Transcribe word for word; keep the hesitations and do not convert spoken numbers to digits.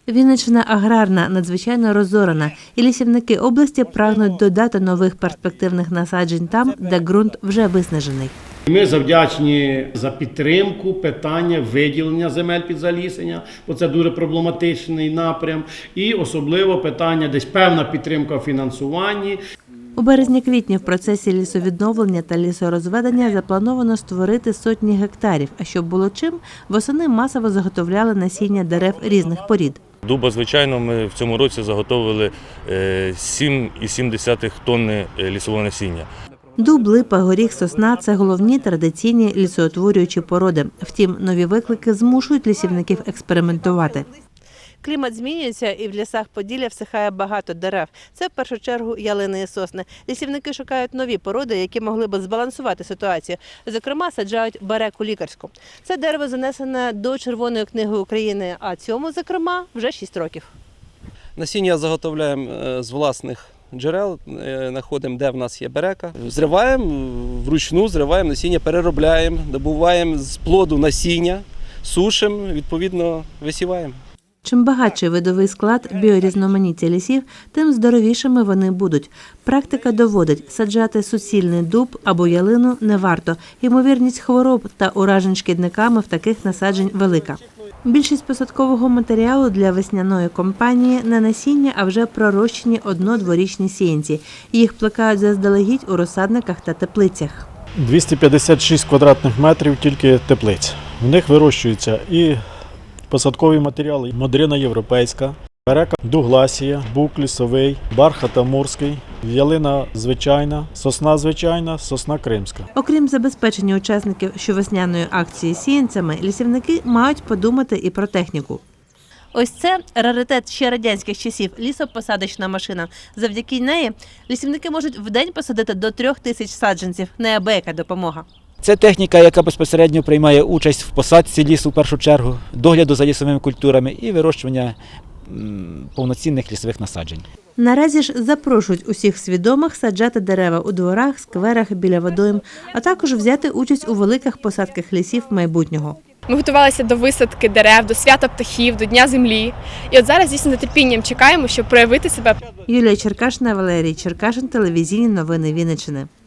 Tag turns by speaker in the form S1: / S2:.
S1: Вінниччина аграрна, надзвичайно розорена, і лісівники області прагнуть додати нових перспективних насаджень там, де ґрунт вже виснажений.
S2: Ми завдячні за підтримку питання виділення земель під залісення, бо це дуже проблематичний напрям, і особливо питання десь певна підтримка в фінансуванні.
S1: У березні-квітні в процесі лісовідновлення та лісорозведення заплановано створити сотні гектарів, а щоб було чим, восени масово заготовляли насіння дерев різних порід.
S3: Дуба, звичайно, ми в цьому році заготовили сім цілих сім десятих тонни лісового насіння.
S1: Дуб, липа, горіх, сосна – це головні традиційні лісоутворюючі породи. Втім, нові виклики змушують лісівників експериментувати. Клімат змінюється, і в лісах Поділля всихає багато дерев. Це в першу чергу ялини і сосни. Лісівники шукають нові породи, які могли б збалансувати ситуацію. Зокрема, саджають береку лікарську. Це дерево занесене до Червоної книги України, а цьому, зокрема, вже шість років.
S4: Насіння заготовляємо з власних джерел, знаходимо, де в нас є берека. Зриваємо, вручну зриваємо насіння, переробляємо, добуваємо з плоду насіння, сушимо, відповідно висіваємо.
S1: Чим багатший видовий склад, біорізноманіття лісів, тим здоровішими вони будуть. Практика доводить, саджати суцільний дуб або ялину не варто. Ймовірність хвороб та уражень шкідниками в таких насаджень велика. Більшість посадкового матеріалу для весняної кампанії – не насіння, а вже пророщені одно-дворічні сіянці. Їх плекають заздалегідь у розсадниках та теплицях.
S5: двісті п'ятдесят шість квадратних метрів тільки теплиць. В них вирощуються і посадкові матеріали: модрина європейська, берека дугласія, бук лісовий, бархат амурський, ялина звичайна, сосна звичайна, сосна кримська.
S1: Окрім забезпечення учасників щовесняної акції сіянцями, лісівники мають подумати і про техніку. Ось це раритет ще радянських часів – лісопосадочна машина. Завдяки неї лісівники можуть в день посадити до трьох тисяч саджанців. Неабияка допомога.
S6: Це техніка, яка безпосередньо приймає участь в посадці лісу в першу чергу, догляду за лісовими культурами і вирощування повноцінних лісових насаджень.
S1: Наразі ж запрошують усіх свідомих саджати дерева у дворах, скверах, біля водойм, а також взяти участь у великих посадках лісів майбутнього.
S7: Ми готувалися до висадки дерев, до свята птахів, до Дня землі. І от зараз дійсно з нетерпінням чекаємо, щоб проявити себе.
S1: Юлія Черкашина, Валерій Черкашин, телевізійні новини Вінниччини.